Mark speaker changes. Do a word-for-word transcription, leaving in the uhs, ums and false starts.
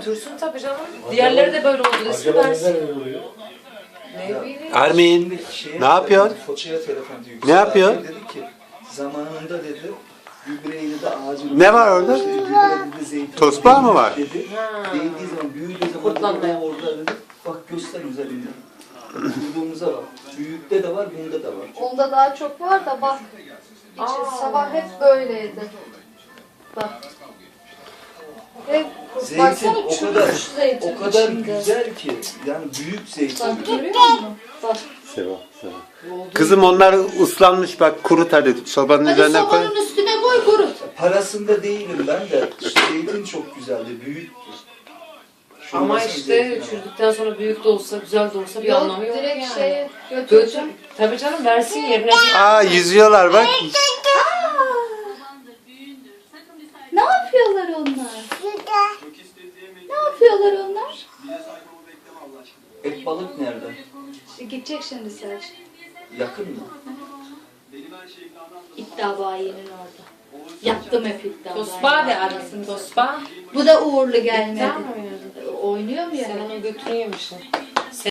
Speaker 1: Götürsün tabii canım. Diğerleri de böyle oldu. Resim versin. Ne bileyim.
Speaker 2: Ermin, ne yapıyorsun?
Speaker 3: Foça'ya telefon diyor.
Speaker 2: Ne yapıyor?
Speaker 3: Dedi ki zamanında dedi gübreyi de ağacın...
Speaker 2: Ne var orada?
Speaker 3: İşte gübre dedi zeytin...
Speaker 2: Tosbağa mı var?
Speaker 3: Dedi.
Speaker 1: Ha.
Speaker 3: Değdiği zaman büyüdüğü zaman
Speaker 1: Kurtlanmaya.
Speaker 3: dedi, orada dedi. Bak göster üzerinde. Kurduğumuza bak. Büyükte de var, bunda da var.
Speaker 4: Onda daha çok var da bak. İçi
Speaker 1: Aa.
Speaker 4: sabah hep böyleydi. Bak. Ve
Speaker 3: Zeytin
Speaker 4: baksana
Speaker 3: o
Speaker 4: çürümüş
Speaker 3: kadar,
Speaker 4: zeytin
Speaker 3: o kadar
Speaker 4: içinde.
Speaker 3: güzel ki. Yani büyük zeytin.
Speaker 4: Bak görüyor musun? Bak.
Speaker 2: Seva, seva. Kızım onlar ıslanmış bak kurut hadi sobanın
Speaker 4: Hadi
Speaker 2: üzerine koy.
Speaker 4: sobanın üstüne koy kurut.
Speaker 3: Parasında değilim ben de. Zeytin çok güzeldi, büyüktü. Şu
Speaker 1: Ama
Speaker 3: nasıl
Speaker 1: işte
Speaker 3: zeytin ama?
Speaker 1: çürüdükten sonra büyük de olsa, güzel de olsa bir
Speaker 4: Yok
Speaker 1: anlamı yok
Speaker 4: direkt
Speaker 1: yani.
Speaker 4: şeye
Speaker 1: Götür.
Speaker 4: götüreceğim.
Speaker 1: Tabii canım versin yerine.
Speaker 2: Aa yüzüyorlar bak.
Speaker 4: Ne yapıyorlar onlar? Ne yapıyorlar onlar?
Speaker 3: Et balık nerede?
Speaker 4: İşte gidecek şimdi Serç.
Speaker 3: Yakın mı?
Speaker 4: İddia bayinin orada. Yattım hep iddia
Speaker 1: Tosba de arasın tosba.
Speaker 4: Bu da uğurlu
Speaker 1: İddia
Speaker 4: gelmedi.
Speaker 1: mı yani?
Speaker 4: Oynuyor mu
Speaker 1: Sen
Speaker 4: yani?
Speaker 1: onu götürüyormuşsun.